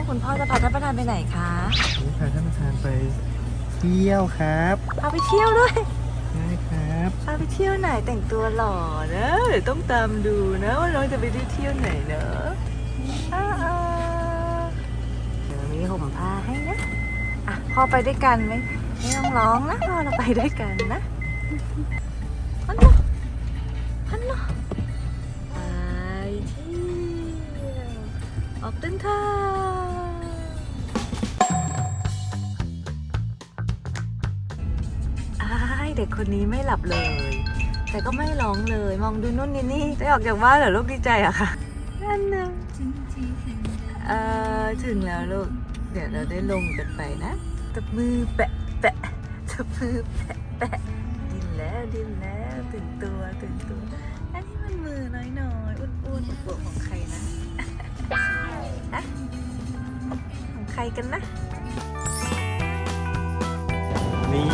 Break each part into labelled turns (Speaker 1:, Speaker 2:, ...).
Speaker 1: คุณพ่อจะพาท่านประธานไปไหนคะ
Speaker 2: นี่พาท่านประธานไปเที่ยวครับ
Speaker 1: พาไปเที่ยวด้วย
Speaker 2: ใช่ครับ
Speaker 1: พาไปเที่ยวไหนแต่งตัวหล่อนะเดี๋ยวต้องตามดูนะว่าน้องจะไปเที่ยวไหนเนอะเดี๋ยวมีห่มผ้าให้นะอ่ะพ่อไปด้วยกันไหมไม่ต้องร้องนะพ่อเราไปด้วยกันนะฮัลโหลฮัลโหลไปเที่ยวออกเดินทางเด็กคนนี้ไม่หลับเลย แต่ก็ไม่ร้องเลยมองดูนู่นนี่ได้ออกจากบ้านเหรอลูกดีใจอะค่ะนั่นนะถึงแล้วลูกเดี๋ยวเราได้ลงกันไปนะตบมือแปะแปะตบมือแปะแปะดินแล้วตื่นตัวอันนี้มันมือน้อยอ้วนๆของใครนะฮะของใครกันนะ
Speaker 2: นี่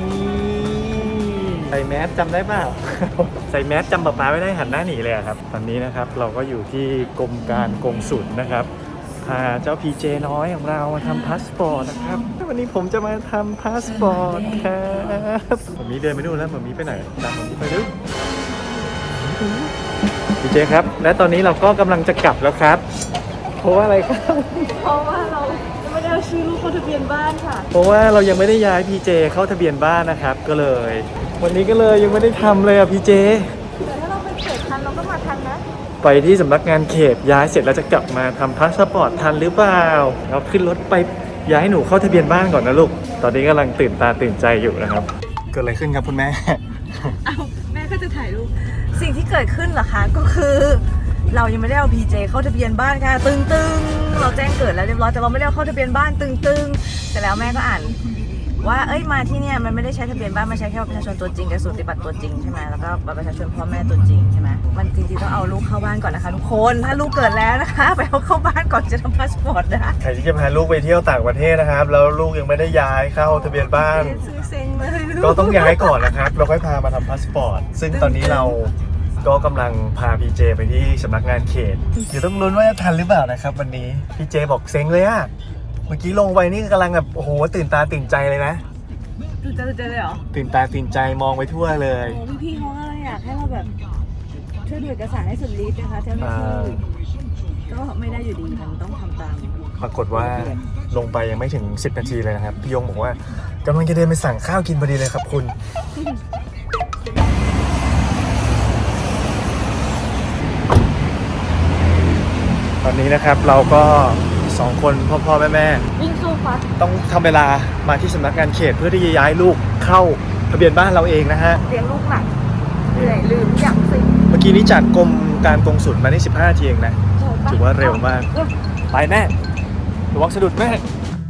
Speaker 2: ใส่แมสจำได้เปล่า ใส่แมสจำป๊าป๊าไม่ได้หันหน้าหนีเลยครับตอนนี้นะครับเราก็อยู่ที่กรมการกงสุลนะครับพาเจ้าพีเจน้อยของเรามาทำพาสปอร์ตนะครับวันนี้ผมจะมาทำพาสปอร์ตครับผมมีเดินไปดูแล้วผมมีไปไหนตามผมมีไปดูพีเจครับและตอนนี้เราก็กำลังจะกลับแล้วครับเพราะว่าอะไรครับ
Speaker 1: เพราะว่าเราไม่ได้เอาชื่อลูกเข้าทะเบียนบ้านค่ะ
Speaker 2: เพราะว่าเรายังไม่ได้ย้ายพีเจเข้าทะเบียนบ้านนะครับก็เลยวันนี้ก็เลยยังไม่ได้ทำเลยอ่ะพีเจ
Speaker 1: แต่ถ้าเราไปเขตทันเราก็มาทันนะ
Speaker 2: ไปที่สำนักงานเขตย้ายเสร็จแล้วจะกลับมาทำพาสปอร์ตทันหรือเปล่าเราขึ้นรถไปย้ายหนูเข้าทะเบียนบ้านก่อนนะลูกตอนนี้กำลังตื่นตาตื่นใจอยู่นะครับเกิดอะไรขึ้นครับคุณแม่
Speaker 1: เอาแม่ก็จะถ่ายรูปสิ่งที่เกิดขึ้นเหรอคะก็คือเรายังไม่ได้เอา PJ เข้าทะเบียนบ้านค่ะตึงเราแจ้งเกิดแล้วเรียบร้อยแต่เราไม่ได้เอาเข้าทะเบียนบ้านตึงแต่แล้วแม่ก็อ่านว่ามาที่เนี่ยมันไม่ได้ใช้ทะเบียนบ้านมันใช้แค่ประชาชนตัวจริงกับสูติบัตรตัวจริงใช่ไหมแล้วก็บัตรประชาชนพ่อแม่ตัวจริงใช่ไหมมันจริงๆต้องเอาลูกเข้าบ้านก่อนนะคะทุกคนถ้าลูกเกิดแล้วนะคะไปเอาเข้าบ้านก่อนจะทำพาสปอร์ตนะ
Speaker 2: ใครที่จะพาลูกไปเที่ยวต่างประเทศนะครับแล้วลูกยังไม่ได้ย้ายเข้าทะเบียนบ้านก็ต้องย้ายก่อนนะครับเราค่อยพามาทำพาสปอร์ตซึ่งตอนนี้เราก็กำลังพาพีเจไปที่สำนักงานเขตเดี๋ยวต้องลุ้นว่าจะทันหรือเปล่านะครับวันนี้พีเจบอกเซ็งเลยอะเมื่อกี้ลงไปนี่กำลังแบบโอ้โหตื่นตาตื่นใจเลยนะ
Speaker 1: ตื่นตาตื่นใจเลยเหรอ
Speaker 2: ตื่นตาตื่นใจมองไปทั่วเลย
Speaker 1: โอ้พี่เขาก็อยากให้เราแบบช่วยดูเอกสารให้สุดฤทธิ์นะคะเจ้าหน้าที่ก็ไม่ได้อยู่ดีมันต้องทำตาม
Speaker 2: ปรากฏว่าลงไปยังไม่ถึง10 นาทีเลยนะครับพี่ยงบอกว่ากำลังจะเดินไปสั่งข้าวกินพอดีเลยครับคุณตอนนี้นะครับเราก็2คนพ่อแม่
Speaker 1: วิ่งเข้าฟัด
Speaker 2: ต้องทำเวลามาที่สำนักงานเขตเพื่อที่จะย้ายลูกเข้าทะเบียนบ้านเราเองนะฮะ
Speaker 1: เลี้ยงลูกหนักเหนื่อยลืมอย่างสิ
Speaker 2: เมื่อกี้นี้จากกรมการกงสุลมาได้15 นาทีเองนะถือว่าเร็วมากไปแม่ระวังสะดุดแม่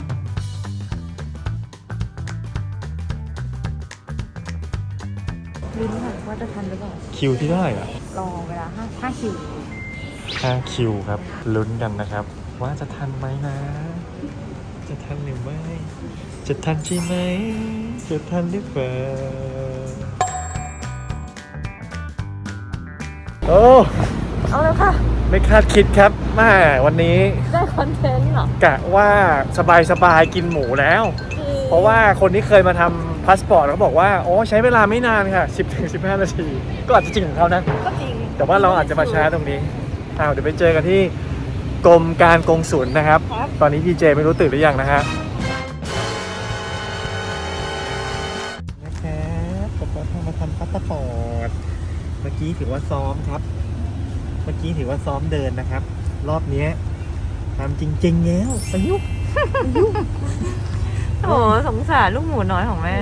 Speaker 1: ลุ้นค่ะว่าจะทันหรือเปล่า
Speaker 2: คิวที่เท่าไหร่อ่ะ
Speaker 1: รอเวลา5 คิว
Speaker 2: 5 คิวครับลุ้นกันนะครับว่าจะทันไหมนะจะทันหรือไม่จะทันใช่ไหมจะทันหรือเปล่าโอ้
Speaker 1: เอาเลยค่ะ
Speaker 2: ไม่คาดคิดครับมาวันนี้
Speaker 1: ได้คอนเทนต์เหรอก
Speaker 2: ะว่าสบายกินหมูแล้วเพราะว่าคนที่เคยมาทำพาสปอร์ตเขาบอกว่าโอ้ใช้เวลาไม่นานค่ะ 10-15 นาทีก็อาจจะจริงของเขานะ
Speaker 1: ก็จริง
Speaker 2: แต่ว่าเราอาจจะมาช้าตรงนี้เดี๋ยวไปเจอกันที่กรมการกงสุลนะครับตอนนี้พีเจไม่รู้ตื่นหรือยังนะฮะนะครับผมก็มาทำพาสปอร์ตเมื่อกี้ถือว่าซ้อมครับเมื่อกี้ถือว่าซ้อมเดินนะครับรอบนี้ทำจริงๆแล้วประยุกต์
Speaker 1: โอ้สงสารลูกหมูน้อยของแม่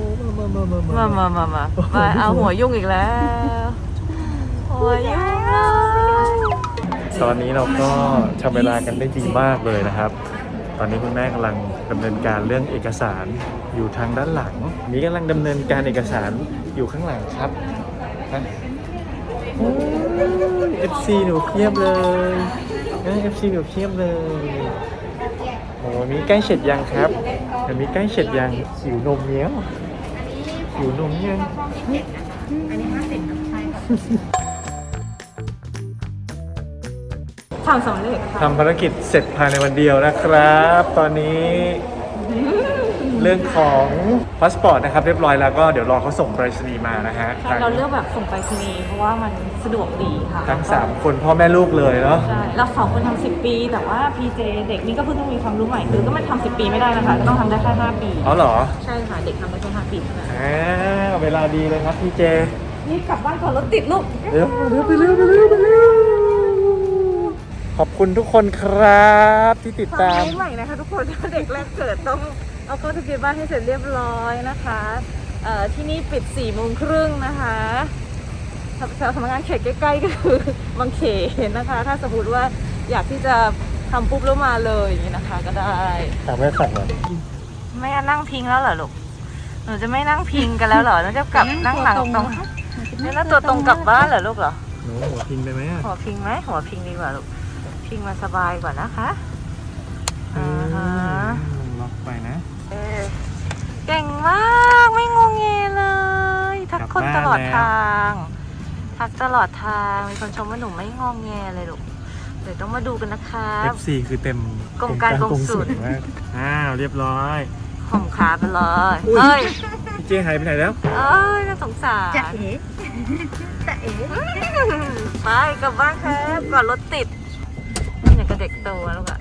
Speaker 1: มาเอาหัวยุ่งอีกแล้วหัวยุ่ง
Speaker 2: ตอนนี้เราก็ทำเวลากันได้ดีมากเลยนะครับตอนนี้คุณแม่กำลังดำเนินการเรื่องเอกสารอยู่ทางด้านหลังนี้กำลังดำเนินการเอกสารอยู่ข้างหลังครับFC หนูเพียบเลยFC หนูเพียบเลยโอ้มีใกล้เสร็จยังครับมีใกล้เสร็จยังหิวนมเนี้ยหิวนมยัง
Speaker 1: ททำสำเร็จค่ะ
Speaker 2: ทำภารกิจเสร็จภายในวันเดียวนะครับ ตอนนี้เรื่องของพาสปอร์ตนะครับเรียบร้อยแล้วก็เดี๋ยวรอเขาส่งไปรษณีย์มานะฮะ
Speaker 1: ใช่เราเลือกแบบส่งไปรษณีย์เพราะว่ามันสะดวกดีค่ะ
Speaker 2: ทั้ง3คนพ่อแม่ลูกเลยเนาะ
Speaker 1: ใช่เรา2 คนทำ10 ปี แต่ว่า PJ เด็กนี่ก็เพิ่งต้องมีความรู้ใหม่คือก็ไม่ทำ10 ปีไม่ได้นะคะก็ต้องทำได้แค่5 ปี
Speaker 2: อ๋อเหรอ
Speaker 1: ใช่ค่ะเด็กทำได้แค่5 ปีเท่านั้น
Speaker 2: เวลาดีเลยครับพี่เจ
Speaker 1: นี่กลับบ้านก่อนรถติดลูก
Speaker 2: เร็วไปเร็วขอบคุณทุกคนครับที่ติดตาม
Speaker 1: ฟังใหม่นะคะทุกคนเด็กแรกเกิดต้องเอาเข้าทะเบียนบ้านให้เสร็จเรียบร้อยนะคะที่นี่ปิด4:30นะคะสำนักงานเขตใกล้ๆก็คือบางเขนนะคะ ถ้าสมมติว่าอยากที่จะทำปุ๊บแล้วมาเลยอย่างนี้นะคะก็ได้
Speaker 2: ถามแม่สั่งหน่อย
Speaker 1: ไม่นั่งพิงแล้วเหรอลูกหนูจะไม่นั่งพิงกันแล้วเหรอหนูจะกลับนั่งหลังตรงนี่แล้วตัวตรงกลับบ้านเหรอลูกเหรอ
Speaker 2: หนูหัวพิงไปไหมอ่ะ
Speaker 1: หัวพิงไหมหัวพิงดีกว่าลูกพิงมาสบายกว่านะคะฮะ
Speaker 2: ล็อกไปนะ
Speaker 1: เก่งมากไม่งงเงเลยทักคนตลอดทางทักตลอดทางมีคนชมว่าหนูไม่งงเงเลยลูกเดี๋ยวต้องมาดูกันนะคะ
Speaker 2: FC คือเต็ม
Speaker 1: กรมการกงสุล
Speaker 2: มากเรียบร้อย
Speaker 1: ห่มขาไปเลยเฮ้ย
Speaker 2: พี่เจหายไปไหนแล้ว
Speaker 1: เอ้ยน่าสงสาร
Speaker 3: จะเอ๋จะเอ๋
Speaker 1: ไปกลับบ้านครับก่อนรถติดอย่างกับเด็กโตแล้วลูกอะ